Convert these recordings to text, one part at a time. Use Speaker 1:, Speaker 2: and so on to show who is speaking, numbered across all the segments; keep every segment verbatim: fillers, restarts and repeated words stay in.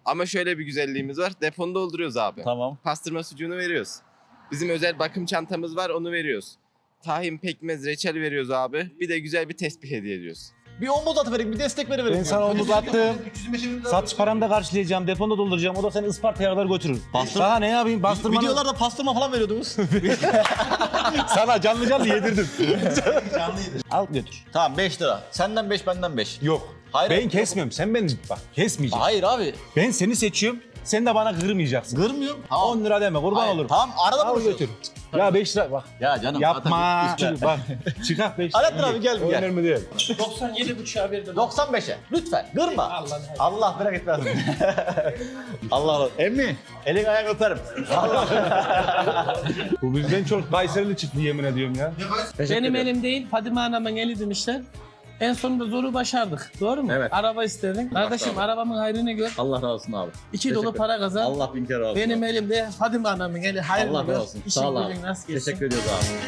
Speaker 1: Ama şöyle bir güzelliğimiz var. Deponu dolduruyoruz abi.
Speaker 2: Tamam.
Speaker 1: Pastırma sucuğunu veriyoruz. Bizim özel bakım çantamız var, onu veriyoruz. Tahin, pekmez, reçel veriyoruz abi. Bir de güzel bir tesbih hediye ediyoruz.
Speaker 2: Bir omuz atıverin, bir destek veriverin.
Speaker 3: Ben sana omuz attım. Satış paranı da karşılayacağım, deponu da dolduracağım. O da seni Isparta'ya kadar götürür.
Speaker 2: Bastır-
Speaker 3: Daha ne yapayım? Bastırmanı...
Speaker 2: Videolarda pastırma falan veriyordunuz.
Speaker 3: Sana canlı canlı yedirdim.
Speaker 2: Canlıydı.
Speaker 3: Al götür.
Speaker 2: Tamam beş lira. Senden beş, benden beş.
Speaker 3: Yok.
Speaker 2: Hayır,
Speaker 3: ben
Speaker 2: yok.
Speaker 3: kesmiyorum. Sen beni bak kesmeyeceksin.
Speaker 2: Hayır abi.
Speaker 3: Ben seni seçiyorum. Sen de bana kırmayacaksın.
Speaker 2: Kırmıyorum.
Speaker 3: on lira deme kurban
Speaker 2: Hayır,
Speaker 3: olurum.
Speaker 2: Tamam arada
Speaker 3: Al
Speaker 2: buluşuyoruz.
Speaker 3: götür. Ya beş lira bak.
Speaker 2: Ya canım.
Speaker 3: Yapma.
Speaker 2: zaten üç lira.
Speaker 3: Bak çıkart beş lira.
Speaker 2: Alaaddin abi gel,
Speaker 3: O
Speaker 2: gel.
Speaker 3: önemli değil.
Speaker 4: doksan yedi buçuğa verdim.
Speaker 2: doksan beşe. Lütfen. Kırma.
Speaker 4: Allah
Speaker 2: Allah bırak etmez. Allah Allah. Emmi. Elin ayağını öperim. Allah.
Speaker 3: Bu bizden çok Kayserili çıktı yemin ediyorum ya.
Speaker 4: Benim elim değil, Fadime Hanım'ın eli demişler. En sonunda zoru başardık. Doğru mu?
Speaker 2: Evet.
Speaker 4: Araba istedin. Kardeşim
Speaker 2: abi.
Speaker 4: arabamın hayrını gör.
Speaker 2: Allah razı olsun abi.
Speaker 4: İki dolu
Speaker 2: Teşekkür
Speaker 4: para kazan.
Speaker 2: Allah bin kere razı olsun.
Speaker 4: Benim elimde Fadime Hanım'ın eli hayrını
Speaker 2: Allah
Speaker 4: gör.
Speaker 2: razı olsun.
Speaker 4: İşin
Speaker 2: Sağ ol abi.
Speaker 4: gücün nasıl geçsin?
Speaker 2: Teşekkür ediyoruz abi.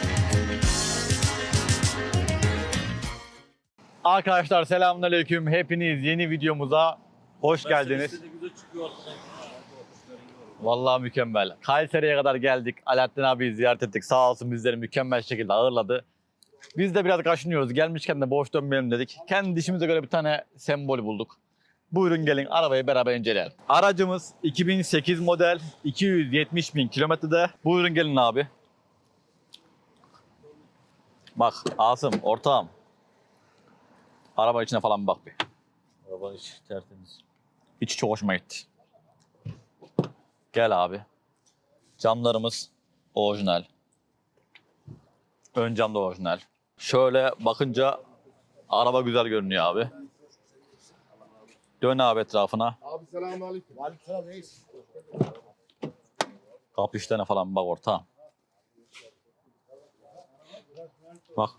Speaker 2: Arkadaşlar selamünaleyküm. Hepiniz yeni videomuza hoş geldiniz. Vallahi mükemmel. Kayseri'ye kadar geldik. Alaaddin abiyi ziyaret ettik. Sağ olsun bizleri mükemmel şekilde ağırladı. Biz de biraz kaşınıyoruz. Gelmişken de boş dönmeyelim dedik. Kendi işimize göre bir tane sembol bulduk. Buyurun gelin arabayı beraber inceleyelim. Aracımız iki bin sekiz model iki yüz yetmiş bin kilometrede. Buyurun gelin abi. Bak Asım ortağım. Araba içine falan bir bak bir. Araba içi tertemiz. İçi çok hoşuma gitti. Gel abi. Camlarımız orijinal. Ön cam da orijinal. Şöyle bakınca araba güzel görünüyor abi. Dön abi etrafına.
Speaker 5: Abi selamünaleyküm. Aleykümselam reis.
Speaker 2: Kapı işlerine falan bak ortağım. Bak.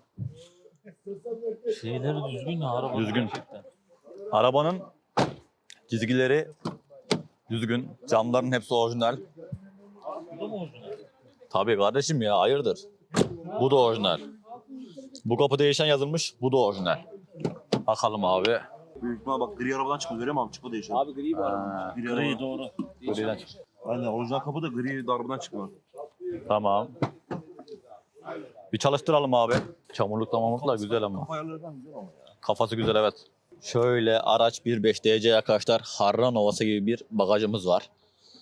Speaker 6: Şeyleri düzgün ya araba.
Speaker 2: Düzgün.
Speaker 6: Gerçekten.
Speaker 2: Arabanın çizgileri düzgün. Camların hepsi orijinal.
Speaker 6: Bu da mı orijinal?
Speaker 2: Tabii kardeşim ya hayırdır. Bu da orijinal. Bu kapı değişen yazılmış. Bu da orijinal. Bakalım abi.
Speaker 7: Büyük ihtimal bak gri arabadan çıkmış görüyor musun? Çıkma değişen.
Speaker 6: Abi gri var.
Speaker 2: Ha,
Speaker 7: Gri,
Speaker 6: Gri
Speaker 7: araba.
Speaker 6: doğru.
Speaker 2: griden çık-
Speaker 7: Aynen orijinal kapı da gri arabadan çıkma.
Speaker 2: Tamam. Bir çalıştıralım abi. Çamurlukla mamurlukla güzel ama.
Speaker 7: Kafa ayarlarından güzel ama ya.
Speaker 2: Kafası güzel evet. Şöyle araç bir nokta beş D C arkadaşlar. Harran Ovası gibi bir bagajımız var.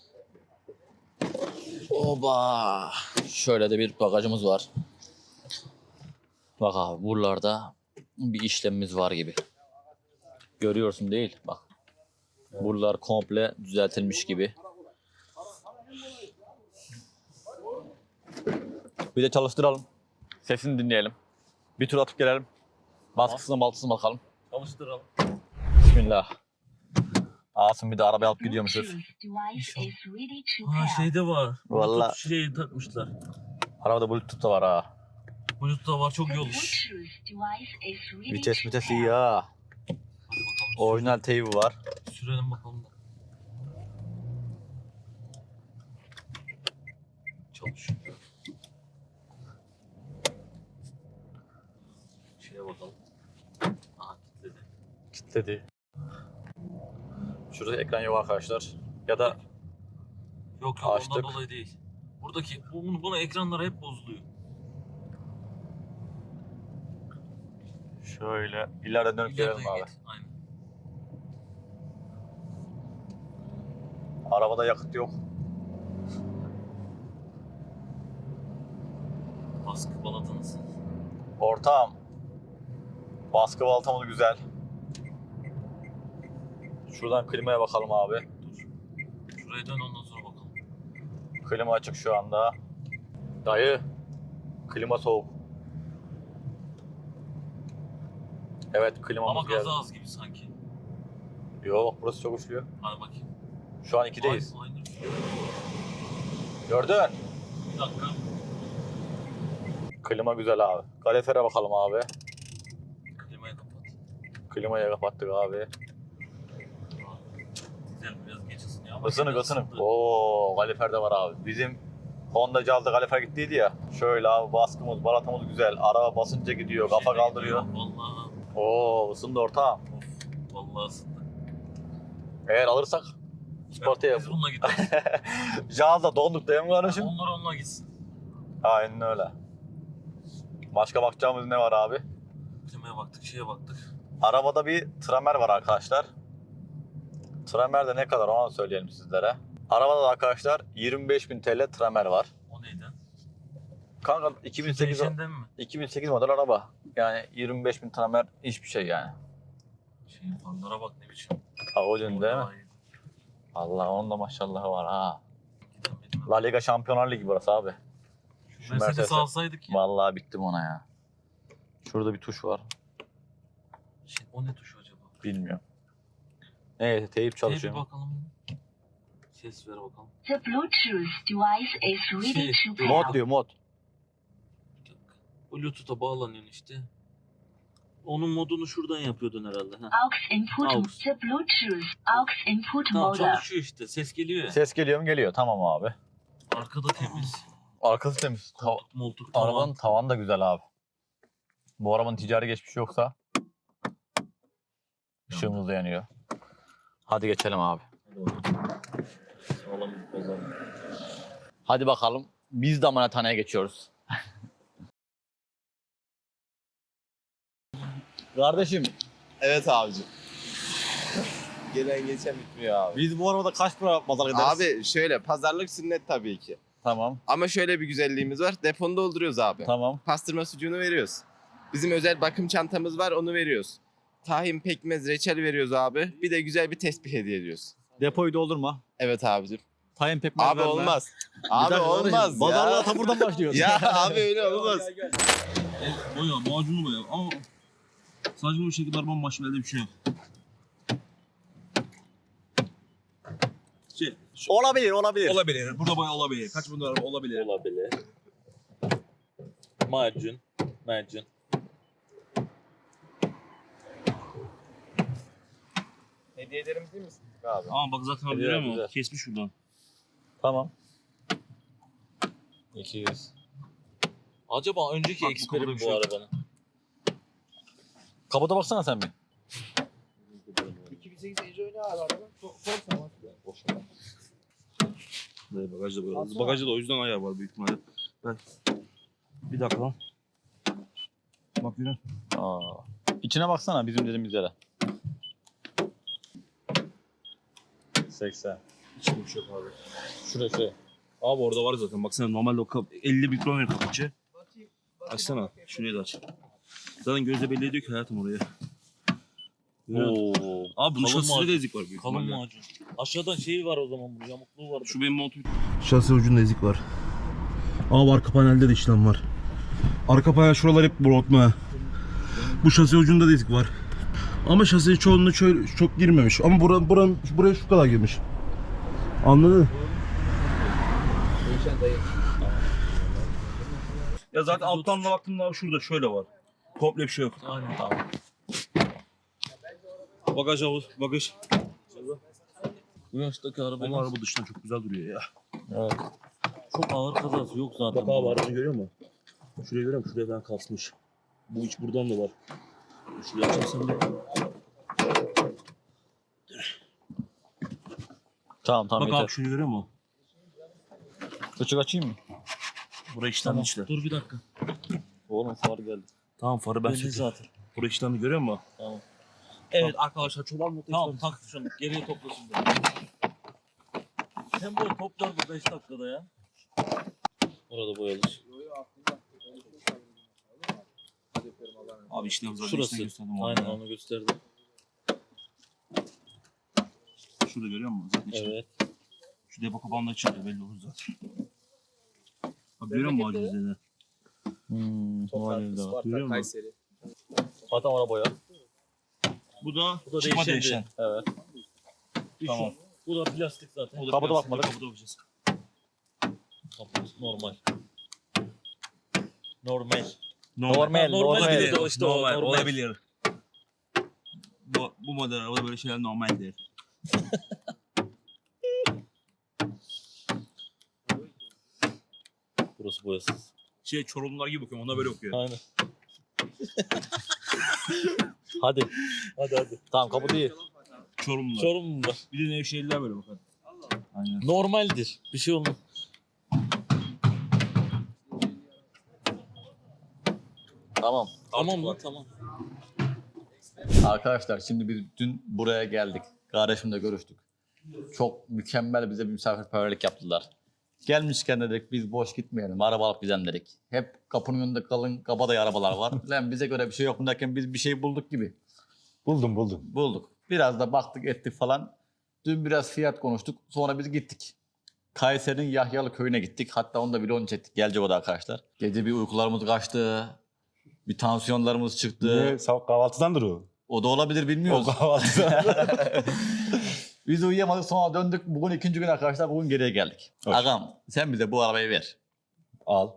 Speaker 2: Oba. Şöyle de bir bagajımız var. Bak abi buralarda bir işlemimiz var gibi. Görüyorsun değil bak. Buralar komple düzeltilmiş gibi. Bir de çalıştıralım. Sesini dinleyelim. Bir tur atıp gelelim. Baskısına baltısına bakalım.
Speaker 6: Çalıştıralım.
Speaker 2: Bismillah. Asım bir de arabaya alıp gidiyormuşuz.
Speaker 6: Ha şeyde var.
Speaker 2: Vallahi.
Speaker 6: Bluetooth şeyi takmışlar.
Speaker 2: Arabada Bluetooth da var ha.
Speaker 6: Bluetooth da var çok iyi olmuş.
Speaker 2: Vites vites iyi ha. Orijinal teybi var.
Speaker 6: Sürelim bakalım da. Çalışıyor. Şeye bakalım. Aha kilitledi.
Speaker 2: Kilitledi. Şurada ekran yok arkadaşlar. Ya da
Speaker 6: Yok yok
Speaker 2: Açtık.
Speaker 6: ondan dolayı değil. Buradaki bunu, bunu ekranlar hep bozuluyor.
Speaker 2: şöyle ileride dönüp gelelim
Speaker 6: İleriden
Speaker 2: abi.
Speaker 6: git. Aynen.
Speaker 2: Arabada yakıt yok.
Speaker 6: Baskı balata nasıl?
Speaker 2: Ortağım. Baskı baltamız güzel. Şuradan klimaya bakalım abi.
Speaker 6: Şuraya dön ondan sonra bakalım.
Speaker 2: Klima açık şu anda. Dayı. Klima soğuk. Evet klimamız
Speaker 6: Ama
Speaker 2: geldi.
Speaker 6: gazı az gibi sanki.
Speaker 2: Yo bak burası çok uçluyor.
Speaker 6: Hadi bakayım.
Speaker 2: Şu an ikideyiz.
Speaker 6: Aynı, aynı.
Speaker 2: Gördün.
Speaker 6: Bir dakika.
Speaker 2: Klima güzel abi. Kalorifere bakalım abi.
Speaker 6: Klimayı kapat.
Speaker 2: Klimayı kapattık abi.
Speaker 6: Güzel biraz geç ısınıyor ama.
Speaker 2: Isınık
Speaker 6: yine
Speaker 2: ısınık.
Speaker 6: ısındı.
Speaker 2: Oo kalifer de var abi. Bizim Honda'cı aldı kalifer gittiydi ya. Şöyle abi baskımız, balatamız güzel. Araba basınca gidiyor, kafa
Speaker 6: Şeyde
Speaker 2: kaldırıyor.
Speaker 6: gidiyor, Vallahi.
Speaker 2: Oo ısındı ortağım.
Speaker 6: Of. Vallahi ısındı.
Speaker 2: Eğer alırsak Isparta'ya.
Speaker 6: Biz bununla gideriz.
Speaker 2: Jazda donduk değil mi kardeşim?
Speaker 6: Onlar onunla gitsin.
Speaker 2: Aynen öyle. Başka bakacağımız ne var abi?
Speaker 6: Klimaya baktık, şeye baktık.
Speaker 2: Arabada bir tramer var arkadaşlar. Tramer de ne kadar onu söyleyelim sizlere. Arabada da arkadaşlar yirmi beş bin T L tramer var.
Speaker 6: O neydi?
Speaker 2: Kanka iki bin sekiz,
Speaker 6: Değişenden mi?
Speaker 2: iki bin sekiz model araba. Yani yirmi beş bin tramer hiçbir şey yani.
Speaker 6: Şey fanlara bak ne biçim.
Speaker 2: Audi'nin değil mi?
Speaker 6: Orada iyi.
Speaker 2: Allah onun da maşallahı var ha.
Speaker 6: Gidemedim.
Speaker 2: La Liga Şampiyonlar Ligi burası abi. Şu
Speaker 6: Mercedes
Speaker 2: Mercedes'e-
Speaker 6: alsaydık ya.
Speaker 2: Vallahi bittim ona ya. Şurada bir tuş var.
Speaker 6: Şey, o ne tuşu acaba?
Speaker 2: Bilmiyorum. Neyse teyip
Speaker 6: Şey,
Speaker 2: çalışıyor.
Speaker 6: bir bakalım. Ses ver bakalım.
Speaker 8: The Bluetooth device is ready
Speaker 6: Şey,
Speaker 8: to pair.
Speaker 2: Mod diyor mod.
Speaker 6: Bir dakika. Bluetooth'a bağlanıyorsun işte. Onun modunu şuradan yapıyordun herhalde. Ha.
Speaker 8: Aux input.
Speaker 6: Aux.
Speaker 8: The Bluetooth aux input
Speaker 6: Tamam
Speaker 8: mode.
Speaker 6: çalışıyor işte. Ses geliyor ya.
Speaker 2: Ses geliyor mu geliyor. Tamam abi.
Speaker 6: Arkada temiz.
Speaker 2: Arkası temiz. Ta-
Speaker 6: Koltuk moltuk tamam.
Speaker 2: arabanın tavanı da güzel abi. Bu arabanın ticari geçmişi yoksa ışığımız da yanıyor. Hadi geçelim abi.
Speaker 6: Sağlam bir pazar.
Speaker 2: Hadi bakalım. Biz de amanathaneye geçiyoruz. Kardeşim
Speaker 1: Evet abicim. Gelen geçen bitmiyor abi.
Speaker 2: biz bu arabada kaç para pazar ederiz?
Speaker 1: Abi şöyle pazarlık sünnet tabii ki.
Speaker 2: Tamam.
Speaker 1: Ama şöyle bir güzelliğimiz var. Deponu dolduruyoruz abi.
Speaker 2: Tamam.
Speaker 1: Pastırma sucuğunu veriyoruz. Bizim özel bakım çantamız var, onu veriyoruz. Tahin, pekmez, reçel veriyoruz abi. Bir de güzel bir tesbih hediye ediyoruz.
Speaker 2: Depoyu doldurma.
Speaker 1: Evet abicim.
Speaker 2: Tayin pekmez
Speaker 1: Abi
Speaker 2: verme.
Speaker 1: olmaz.
Speaker 2: Bir
Speaker 1: Abi
Speaker 2: dakika kardeşim,
Speaker 1: olmaz ya.
Speaker 2: Pazarlığa ta buradan başlıyoruz.
Speaker 1: Ya abi öyle olmaz.
Speaker 7: Boya, macunu boya ama sadece bu şekilde arabanın başı bir şey yok. Şey,
Speaker 2: Olabilir, olabilir.
Speaker 7: olabilir. Burada boya olabilir. Kaç bin dolar olabilir.
Speaker 6: Olabilir. Macun. Macun.
Speaker 1: Hediyelerimiz değil misin abi?
Speaker 7: Ama bak zaten abi
Speaker 2: Güzel,
Speaker 7: görüyor musun?
Speaker 2: güzel.
Speaker 7: Kesmiş şuradan.
Speaker 2: Tamam. iki yüz.
Speaker 6: Acaba önceki
Speaker 7: Bak, bu
Speaker 6: eksperi
Speaker 7: kapıda
Speaker 6: mi
Speaker 7: bir
Speaker 6: bu
Speaker 7: şey yok.
Speaker 6: arabanın?
Speaker 2: Kabuta baksana sen bir.
Speaker 5: iki bin sekiz Ejo ne abi araba? Forza mı?
Speaker 7: Evet, bagajda boya. Bagajda da o yüzden ayağı var büyük ihtimalle. Ben... Bir dakika lan. Bak yine.
Speaker 2: Aa. İçine baksana bizim dediğimiz yere. seksen.
Speaker 7: Hiçbir şey yok abi.
Speaker 2: Şuraya şuraya.
Speaker 7: Abi orada var zaten. Baksana normalde o kap elli mikron verir kapıcı. Açsana. Şurayı da aç. Zaten gözle belli ediyor ki hayatım oraya. Görüyor musun?
Speaker 6: Oo.
Speaker 7: Abi bunun
Speaker 6: Kalın
Speaker 7: şasisinde
Speaker 6: macun.
Speaker 7: de ezik var büyük
Speaker 6: Kalın
Speaker 7: ihtimalle.
Speaker 6: macun. Aşağıdan şey var o zaman, bu yamukluğu var.
Speaker 7: Şu benim montum. Şasi ucunda ezik var. Abi arka panelde de işlem var. Arka panel şuralar hep brotma. Bu şasi ucunda da ezik var. Ama şasi çoğunluğu şöyle çok girmemiş. Ama buran, buran, buraya şu kadar girmiş. Anladın? Ya zaten alttan da baktığımda abi şurada şöyle var. Komple bir şey yok.
Speaker 6: Aynen tamam.
Speaker 7: Bagaj havuz, bagaj.
Speaker 6: Bu yaştaki
Speaker 7: Ama
Speaker 6: arabanın
Speaker 7: araba dıştan çok güzel duruyor ya.
Speaker 2: Evet.
Speaker 6: çok ağır kazası yok zaten.
Speaker 7: Bak abi aracı görüyor musun? Şurayı görüyor musun? Şuraya falan kasmış. Bu iç buradan da var. Şuraya açarsan da.
Speaker 2: Tamam tamam
Speaker 7: Bak
Speaker 2: yeter.
Speaker 7: abi şurayı görüyor musun?
Speaker 2: Küçük açayım mı?
Speaker 7: Buraya işlemli işte.
Speaker 6: Dur bir dakika.
Speaker 2: Oğlum far geldi.
Speaker 7: Tamam farı ben
Speaker 6: Belli
Speaker 7: söktüm.
Speaker 6: zaten.
Speaker 7: Buraya işlemli görüyor musun?
Speaker 6: Tamam.
Speaker 7: Evet arkadaşlar çoban mutlu.
Speaker 6: Tamam tak şunu. Geriye topla şimdi. Sen bu toplar bu beş dakikada ya. Orada boyalır.
Speaker 7: Abi işlem zaten
Speaker 6: Şurası.
Speaker 7: işlem gösterdim.
Speaker 6: Aynen
Speaker 7: Aynen.
Speaker 6: onu gösterdim.
Speaker 7: Şurada görüyor musun? Zaten işlem.
Speaker 6: Evet.
Speaker 7: Şu depo kapağında açılıyor belli olur zaten. Abi görüyor musun ağacın üzerine?
Speaker 2: Hmm,
Speaker 1: Toprak,
Speaker 2: var.
Speaker 1: Isparta,
Speaker 7: Görüyor musun?
Speaker 1: Kayseri.
Speaker 2: Zaten ona boya.
Speaker 7: Bu da,
Speaker 6: Bu da
Speaker 7: çıkma
Speaker 6: değişen
Speaker 7: değişen.
Speaker 2: Evet.
Speaker 6: Tamam. Bu da plastik zaten.
Speaker 7: O da
Speaker 2: Kabuda
Speaker 7: plastik,
Speaker 2: bakmadık.
Speaker 7: Kabuda bakacağız.
Speaker 6: Kapı normal. Normal.
Speaker 2: Normal, normal.
Speaker 6: Olabilir, o işte o,
Speaker 7: normal,
Speaker 6: normal.
Speaker 7: olabilir. Bu, bu model arabada böyle şeyler normal değil.
Speaker 6: Burası boyasız.
Speaker 7: Şey Çorumlular gibi bakıyorum, ona böyle okuyor.
Speaker 6: Aynen.
Speaker 2: Hadi.
Speaker 6: Hadi hadi.
Speaker 2: Tamam kapı değil.
Speaker 7: Çorumlular.
Speaker 6: Çorumlular.
Speaker 7: Bir de Nevşehirliler böyle bakar.
Speaker 2: Aynen.
Speaker 6: Normaldir. Bir şey olmaz.
Speaker 2: Tamam.
Speaker 6: Tamam lan tamam.
Speaker 2: Arkadaşlar şimdi biz dün buraya geldik. Kardeşimle görüştük. Çok mükemmel bize bir misafirperverlik yaptılar. Gelmişken dedik biz boş gitmeyelim. Araba alıp gidelim dedik. Hep kapının önünde kalın kabadayı arabalar var. Lan bize göre bir şey yok mu derken biz bir şey bulduk gibi.
Speaker 3: Buldum buldum.
Speaker 2: Bulduk. Biraz da baktık ettik falan. Dün biraz fiyat konuştuk. Sonra biz gittik. Kayseri'nin Yahyalı köyüne gittik. Hatta onu da vlogunu çektik. Gelceova'da arkadaşlar. Gece bir uykularımız kaçtı. Bir tansiyonlarımız çıktı.
Speaker 3: Ne? Sabah kahvaltıdandır o.
Speaker 2: O da olabilir
Speaker 3: O
Speaker 2: bilmiyoruz.
Speaker 3: kahvaltıdan.
Speaker 2: Biz uyuyamadık sonra döndük. Bugün ikinci gün arkadaşlar. Bugün geriye geldik.
Speaker 3: Hoş.
Speaker 2: Agam sen bize bu arabayı ver.
Speaker 3: Al.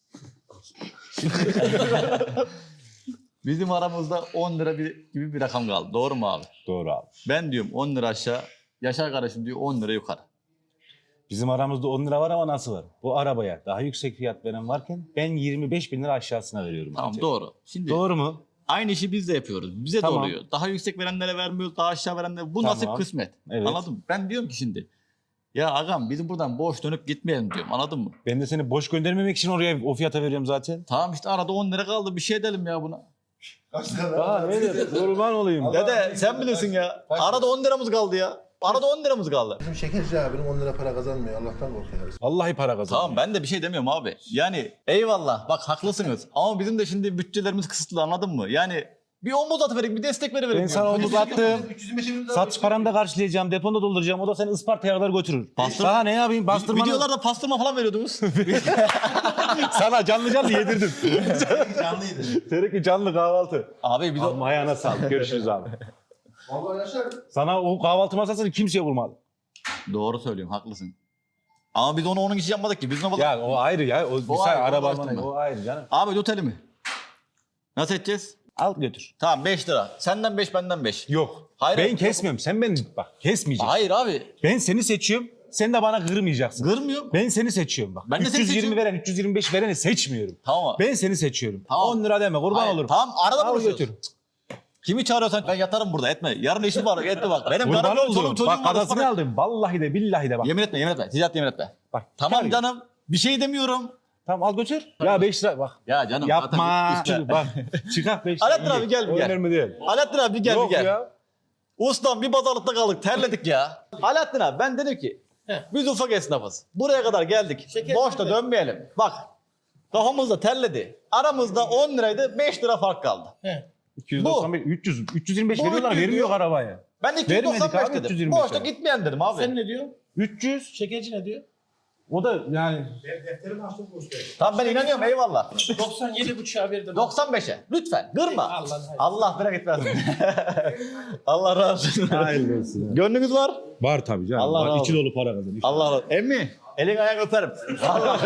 Speaker 2: Bizim aramızda on lira bir, gibi bir rakam kaldı. Doğru mu abi?
Speaker 3: Doğru abi.
Speaker 2: Ben diyorum on lira aşağı. Yaşar kardeşim diyor on lira yukarı.
Speaker 3: Bizim aramızda on lira var ama nasıl var? Bu arabaya daha yüksek fiyat veren varken ben yirmi beş bin lira aşağısına veriyorum.
Speaker 2: Tamam
Speaker 3: bence.
Speaker 2: doğru. Şimdi
Speaker 3: Doğru mu?
Speaker 2: aynı işi biz de yapıyoruz. Bize
Speaker 3: Tamam.
Speaker 2: de oluyor. Daha yüksek verenlere vermiyoruz, daha aşağı verenlere. Bu
Speaker 3: Tamam.
Speaker 2: nasip kısmet.
Speaker 3: Evet.
Speaker 2: Anladın mı? Ben diyorum ki şimdi. Ya agam bizim buradan boş dönüp gitmeyelim diyorum. Anladın mı?
Speaker 3: Ben de seni boş göndermemek için oraya o fiyata veriyorum zaten.
Speaker 2: Tamam işte arada on lira kaldı. Bir şey edelim ya buna.
Speaker 3: Aa ne dedim? Kurban olayım.
Speaker 2: Dede sen bilirsin ya. Arada on liramız kaldı ya. Arada on liramız kaldı.
Speaker 5: Bizim şekerci abinin on lira para kazanmıyor. Allah'tan korkuyoruz.
Speaker 3: Vallahi para kazandım.
Speaker 2: Tamam ben de bir şey demiyorum abi. Yani eyvallah bak haklısınız. Ama bizim de şimdi bütçelerimiz kısıtlı anladın mı? Yani bir omuz atıverin bir destek veriverin.
Speaker 3: Ben sana omuz attım.
Speaker 5: üç yüz yirmi beş bin lira
Speaker 3: Satış paranı da karşılayacağım, deponda dolduracağım. O da seni Isparta'ya kadar götürür.
Speaker 2: Bastır-
Speaker 3: Sana ne yapayım? Bastırmanı...
Speaker 2: Videolarda pastırma falan veriyordunuz.
Speaker 3: Sana canlı canlı yedirdim.
Speaker 5: canlıydı.
Speaker 3: Seninki canlı kahvaltı.
Speaker 2: Abi biz o...
Speaker 3: Ama ayağına sağlık. Görüşürüz abi.
Speaker 5: Vallahi Yaşar.
Speaker 3: Sana o kahvaltı masasını kimseye vurmadı.
Speaker 2: Doğru söylüyorum haklısın. Ama biz onu onun için yapmadık ki. Biz onu...
Speaker 3: Ya o ayrı ya. O, o
Speaker 2: ayrı,
Speaker 3: araba
Speaker 2: onu açtım ben.
Speaker 3: o ayrı canım.
Speaker 2: Abi tut elimi. Nasıl edeceğiz?
Speaker 3: Al götür.
Speaker 2: Tamam beş lira. Senden beş benden beş.
Speaker 3: Yok.
Speaker 2: Hayır,
Speaker 3: ben
Speaker 2: yok.
Speaker 3: kesmiyorum. Sen beni bak kesmeyeceksin.
Speaker 2: Hayır abi.
Speaker 3: Ben seni seçiyorum. Sen de bana kırmayacaksın.
Speaker 2: Kırmıyorum.
Speaker 3: Ben seni seçiyorum bak.
Speaker 2: Ben de seni
Speaker 3: üç yüz yirmi
Speaker 2: seçiyorum.
Speaker 3: veren, üç yüz yirmi beş vereni seçmiyorum.
Speaker 2: Tamam abi.
Speaker 3: Ben seni seçiyorum.
Speaker 2: Tamam.
Speaker 3: on lira deme kurban
Speaker 2: Hayır,
Speaker 3: olurum.
Speaker 2: Tamam arada
Speaker 3: Al
Speaker 2: buluşuyoruz.
Speaker 3: götür.
Speaker 2: Kimi çağırıyorsan ben yatarım burada etme. Yarın işim var etme bak. Benim
Speaker 3: Kurban
Speaker 2: karım çoluğum
Speaker 3: olurum.
Speaker 2: çocuğum
Speaker 3: Bak
Speaker 2: var.
Speaker 3: adasını
Speaker 2: Bak-
Speaker 3: aldım. Vallahi de billahi de bak.
Speaker 2: Yemin etme yemin etme. Ticaret yemin etme.
Speaker 3: Bak
Speaker 2: Tamam
Speaker 3: çıkar.
Speaker 2: canım. Bir şey demiyorum.
Speaker 3: Tamam al götür. Ya beş lira bak.
Speaker 2: Ya canım.
Speaker 3: Yapma.
Speaker 2: zaten üstüne-
Speaker 3: Bak çıkar beş lira.
Speaker 2: Alaaddin abi gel bir
Speaker 3: O
Speaker 2: gel.
Speaker 3: önemli değil.
Speaker 2: Alaaddin abi gel
Speaker 3: Yok
Speaker 2: bir gel.
Speaker 3: ya.
Speaker 2: Ustam bir pazarlıkta kaldık terledik ya. Alaaddin abi ben dedim ki biz ufak esnafız. Buraya kadar geldik.
Speaker 4: Şeker
Speaker 2: Boşta
Speaker 4: mi?
Speaker 2: dönmeyelim. Bak kafamız da terledi. Aramızda on liraydı beş lira fark kaldı.
Speaker 4: He.
Speaker 3: iki yüz doksan beş, üç yüz, üç yüz yirmi beş
Speaker 2: Bu
Speaker 3: veriyorlar
Speaker 2: üç yüz
Speaker 3: vermiyor
Speaker 2: diyor.
Speaker 3: arabaya.
Speaker 2: Ben de iki yüz
Speaker 3: Vermedik
Speaker 2: doksan beş
Speaker 3: abi, üç yüz
Speaker 2: dedim.
Speaker 3: yirmi beş
Speaker 2: Boşta
Speaker 3: lira.
Speaker 2: gitmeyen dedim abi.
Speaker 4: Sen ne diyor?
Speaker 3: üç yüz.
Speaker 4: Şekerci ne diyor?
Speaker 3: O da yani
Speaker 5: Defterimi açtım boş ver.
Speaker 2: Tamam ben inanıyorum eyvallah.
Speaker 4: doksan yedi buçuğa verdim.
Speaker 2: doksan beşe lütfen kırma.
Speaker 4: Allah'ın hayır.
Speaker 2: Allah merak etmesin. Allah razı olsun.
Speaker 3: hayırlı olsun.
Speaker 2: Gönlünüz var.
Speaker 3: Var tabii canım.
Speaker 2: Allah
Speaker 3: Var,
Speaker 2: razı
Speaker 3: içi
Speaker 2: olsun.
Speaker 3: dolu para kazanıyor.
Speaker 2: Allah razı olsun. Emmi elin ayağını öperim. Allah.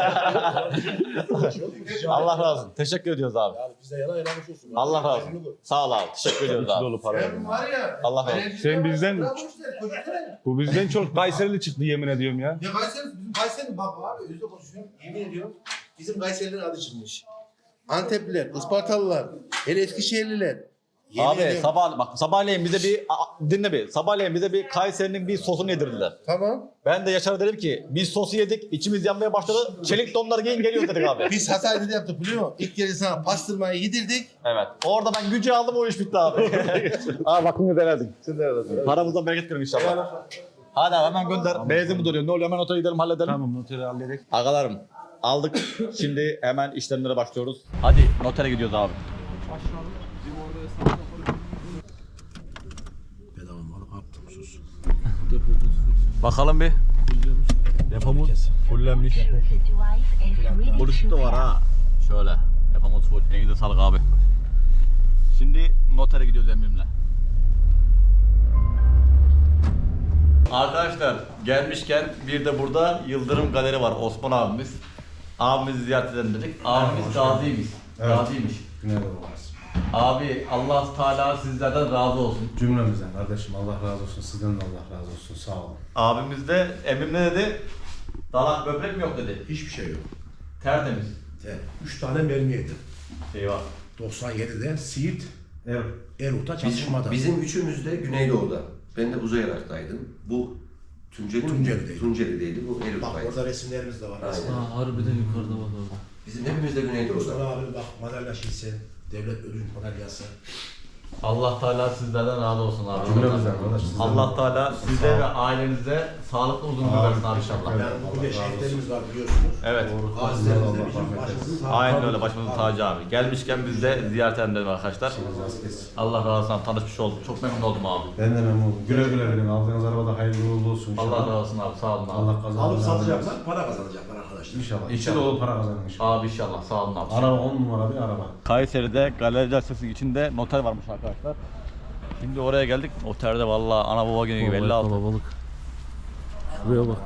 Speaker 2: Allah razı olsun. Teşekkür ediyoruz abi.
Speaker 5: Yani bize yana yanamış olsun.
Speaker 2: Allah razı olsun. Sağ ol abi. Teşekkür ediyoruz
Speaker 3: İçi
Speaker 2: abi.
Speaker 3: dolu para
Speaker 5: Sen
Speaker 3: kazanıyor.
Speaker 5: var ya.
Speaker 2: Allah razı olsun.
Speaker 5: enerjisi
Speaker 3: Sen
Speaker 5: var,
Speaker 3: bizden-
Speaker 5: bravo işte, koşsana.
Speaker 3: Bu bizden çok Kayserili çıktı yemin ediyorum ya.
Speaker 5: Ya Kayseri, bizim Kayseri bak abi özde konuşuyorum. Yemin ediyorum. Bizim Kayserilerin adı çıkmış. Antepliler, Ispartalılar, hele Eskişehirliler. Yemin
Speaker 2: Abi
Speaker 5: ediyorum.
Speaker 2: sabah bak sabahleyin bize bir a- dinle bir. Sabahleyin bize bir Kayseri'nin bir sosunu yedirdiler.
Speaker 5: Tamam.
Speaker 2: Ben de Yaşar'a dedim ki biz sosu yedik, içimiz yanmaya başladı. Çelik donlar giyin geliyor dedik abi.
Speaker 5: Biz Hatay'da da yaptık biliyor musun? İlk kere sana pastırmayı yedirdik.
Speaker 2: Evet. Orada ben gücü aldım o iş bitti abi. abi bakın denedik. Paramızdan bereket verin inşallah. Hadi abi hemen gönder. Benzin mi duruyor? Ne oluyor? Hemen otele gidelim halledelim.
Speaker 3: Tamam noteri halledek.
Speaker 2: Agalarım aldık. Şimdi hemen işlemlere başlıyoruz. Hadi notere gidiyoruz abi.
Speaker 5: Bedava malı attım sus.
Speaker 2: Bakalım bir. Depomuz fullenmiş.
Speaker 8: Choose device as ready
Speaker 2: Bluetooth
Speaker 8: to
Speaker 2: da var
Speaker 8: pair.
Speaker 2: ha. Şöyle. Depomuz full. Elinize sağlık abi. Şimdi notere gidiyoruz emrimle. Arkadaşlar gelmişken bir de burada Yıldırım Galeri var. Osman abimiz. Abimizi ziyaret edelim dedik. Abimiz gaziymiş. Gaziymiş. Abi Allah Teala sizlerden razı olsun.
Speaker 9: Cümlemizden kardeşim Allah razı olsun, sizden de Allah razı olsun, sağ olun.
Speaker 2: Abimiz de emrim ne dedi? Dalak böbrek mi yok dedi.
Speaker 9: Hiçbir şey yok.
Speaker 2: Tertemiz.
Speaker 9: Üç tane mermi yedim.
Speaker 2: Eyvah.
Speaker 9: doksan yedide Siirt, Er, Erut'a
Speaker 10: Bizim,
Speaker 9: çatışmada.
Speaker 10: bizim üçümüz de Güneydoğu'da. Ben de Uzay Irak'taydım. Bu Tunceli,
Speaker 5: Tunceli'deydi.
Speaker 10: Tunceli'deydi. Bu Elif
Speaker 5: Bak
Speaker 10: Bayı.
Speaker 5: orada resimlerimiz de var.
Speaker 10: Aynen.
Speaker 6: Ha, harbiden yukarıda bak orada.
Speaker 10: Bizim hepimiz de Güneydoğu'da.
Speaker 5: Mustafa abi bak madalya şişesi, devlet ödül madalyası.
Speaker 2: Allah Teala sizlerden razı olsun abi.
Speaker 9: Cümlemizden arkadaş. sizden
Speaker 2: Allah
Speaker 9: de-
Speaker 2: Teala size ve ailenize sağlıklı uzun ömür versin abi inşallah.
Speaker 5: Yani bugün de şehitlerimiz var biliyorsunuz.
Speaker 2: Evet.
Speaker 5: Gazilerimizde bizim başımızın tacı.
Speaker 2: Aynen öyle başımızın tacı abi. Gelmişken biz de ziyaret edelim arkadaşlar.
Speaker 9: Razı kesin.
Speaker 2: Allah razı olsun abi, tanışmış olduk. Çok memnun oldum abi.
Speaker 9: Ben de memnun oldum. Güle güle gidin. Aldığınız arabada hayırlı uğurlu olsun inşallah.
Speaker 2: Allah razı olsun abi, sağ olun abi.
Speaker 9: Allah kazanır.
Speaker 5: Alıp satacaklar, para kazanacaklar arkadaşlar.
Speaker 9: İnşallah. İçi dolu para kazanın inşallah.
Speaker 2: Abi inşallah, sağ olun abi.
Speaker 9: Araba on numara bir araba.
Speaker 2: Kayseri'de Galeri Caddesi'nin içinde noter varmış arkadaşlar. Şimdi oraya geldik. Otelde vallahi ana baba günü gibi elli altı.
Speaker 6: Kalabalık. Şuraya bak.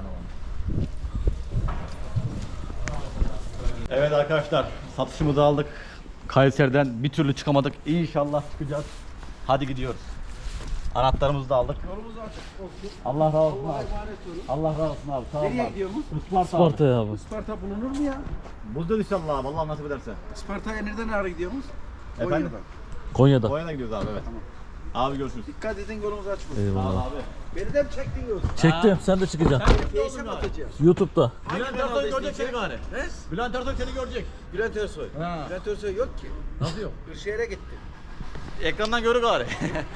Speaker 2: Evet arkadaşlar, satışımızı aldık. Kayseri'den bir türlü çıkamadık. İnşallah çıkacağız. Hadi gidiyoruz. Anahtarımızı da aldık. Yolumuz açık olsun. Allah razı olsun abi. Allah razı olsun abi. Sağ olun. Nereye gidiyoruz? Isparta.
Speaker 6: Sparta'ya abi.
Speaker 5: Isparta bulunur mu ya?
Speaker 2: Bulacağız inşallah abi. Allah nasip ederse.
Speaker 5: Isparta'ya nereden ara gidiyoruz?
Speaker 2: Efendim?
Speaker 6: Konya'da.
Speaker 2: Konya'dan gidiyoruz abi, evet. Abi görüşürüz.
Speaker 5: Dikkat edin yolumuz açık olsun.
Speaker 2: Sağ ol
Speaker 6: Eyvallah.
Speaker 2: abi.
Speaker 5: Beni de mi çektin yoksa?
Speaker 6: Çektim. Sen de çıkacaksın.
Speaker 5: Face'e mi atacağız?
Speaker 6: YouTube'da.
Speaker 2: Bülent Ersoy görecek seni gari.
Speaker 5: He?
Speaker 2: Bülent Ersoy seni görecek.
Speaker 5: Bülent Ersoy.
Speaker 2: Ha.
Speaker 5: Bülent Ersoy yok ki.
Speaker 2: Nasıl yok?
Speaker 5: Kırşehir'e gitti.
Speaker 2: Ekrandan görür gari.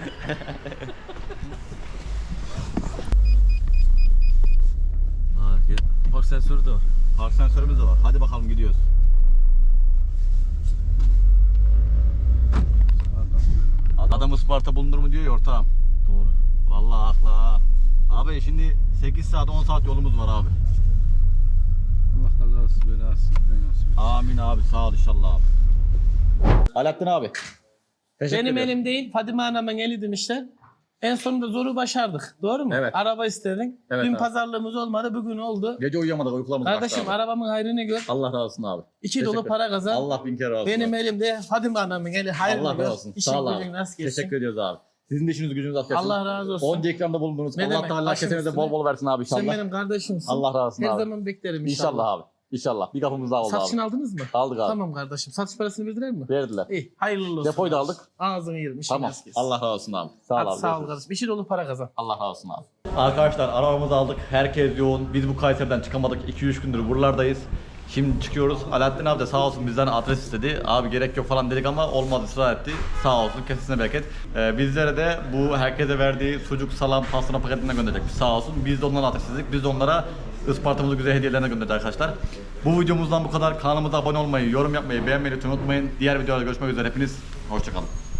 Speaker 6: Ha, gel. Park sensörü de var.
Speaker 2: Park sensörümüz de var. Hadi bakalım gidiyoruz. Adam Isparta bulunur mu diyor ya ortağım.
Speaker 6: Doğru.
Speaker 2: Vallahi haklı ha. Abi şimdi sekiz saat on saat yolumuz var abi.
Speaker 9: Allah kazasız belasız.
Speaker 2: Amin abi, sağ ol inşallah abi. Alaaddin abi.
Speaker 4: Benim elim değil, Fadime Hanım'ın eli demişler. En sonunda zoru başardık. Doğru mu?
Speaker 2: Evet.
Speaker 4: Araba istedin.
Speaker 2: Evet
Speaker 4: Dün
Speaker 2: abi.
Speaker 4: pazarlığımız olmadı, bugün oldu.
Speaker 2: Gece uyuyamadık, uykularımız
Speaker 4: Kardeşim
Speaker 2: kaçtı abi.
Speaker 4: arabamın hayrını gör.
Speaker 2: Allah razı olsun abi.
Speaker 4: İki dolu
Speaker 2: Teşekkür-
Speaker 4: para kazan.
Speaker 2: Allah bin kere razı olsun.
Speaker 4: Benim
Speaker 2: abi.
Speaker 4: elimde Fadime Hanım'ın eli hayrını
Speaker 2: Allah
Speaker 4: gör.
Speaker 2: razı olsun.
Speaker 4: İşin
Speaker 2: Sağ ol
Speaker 4: gücün
Speaker 2: abi.
Speaker 4: nasıl geçsin?
Speaker 2: Teşekkür ediyoruz abi. Sizin de işiniz gücünüz açık.
Speaker 4: Allah razı olsun.
Speaker 2: Onca ikramda bulundunuz.
Speaker 4: Ne
Speaker 2: Allah
Speaker 4: demek,
Speaker 2: Teala
Speaker 4: başım
Speaker 2: kesenize
Speaker 4: üstüne.
Speaker 2: bol bol versin abi inşallah.
Speaker 4: Sen benim kardeşimsin.
Speaker 2: Allah razı olsun
Speaker 4: Her
Speaker 2: abi.
Speaker 4: zaman beklerim inşallah.
Speaker 2: İnşallah abi. İnşallah. Bir kapımız daha oldu
Speaker 4: Satışını
Speaker 2: abi.
Speaker 4: aldınız mı?
Speaker 2: Aldık abi.
Speaker 4: Tamam kardeşim. Satış parasını verdiler mi?
Speaker 2: Verdiler.
Speaker 4: İyi. Hayırlı olsun.
Speaker 2: Depoyu da aldık.
Speaker 4: Ağzını yerim. işin
Speaker 2: Tamam.
Speaker 4: rast gelsin.
Speaker 2: Allah razı olsun abi. Sağ ol
Speaker 4: Hadi
Speaker 2: abi.
Speaker 4: sağ ol
Speaker 2: görüşürüz.
Speaker 4: kardeşim. İşi dolu para kazan.
Speaker 2: Allah razı olsun abi. Arkadaşlar arabamızı aldık. Herkes yoğun. Biz bu Kayseri'den çıkamadık. iki üç gündür buralardayız. Şimdi çıkıyoruz. Alaaddin abi de sağ olsun bizden adres istedi. Abi gerek yok falan dedik ama olmadı, ısrar etti. Sağ olsun, kesesine bereket. Ee, bizlere de bu herkese verdiği sucuk, salam, pastırma paketinden gönderecekmiş sağ olsun. Biz de onlara adres istedik. Biz de onlara Isparta'mızı güzel hediyelerine gönderdik arkadaşlar. Bu videomuzdan bu kadar. Kanalımıza abone olmayı, yorum yapmayı, beğenmeyi lütfen unutmayın. Diğer videolarda görüşmek üzere. Hepiniz hoşçakalın.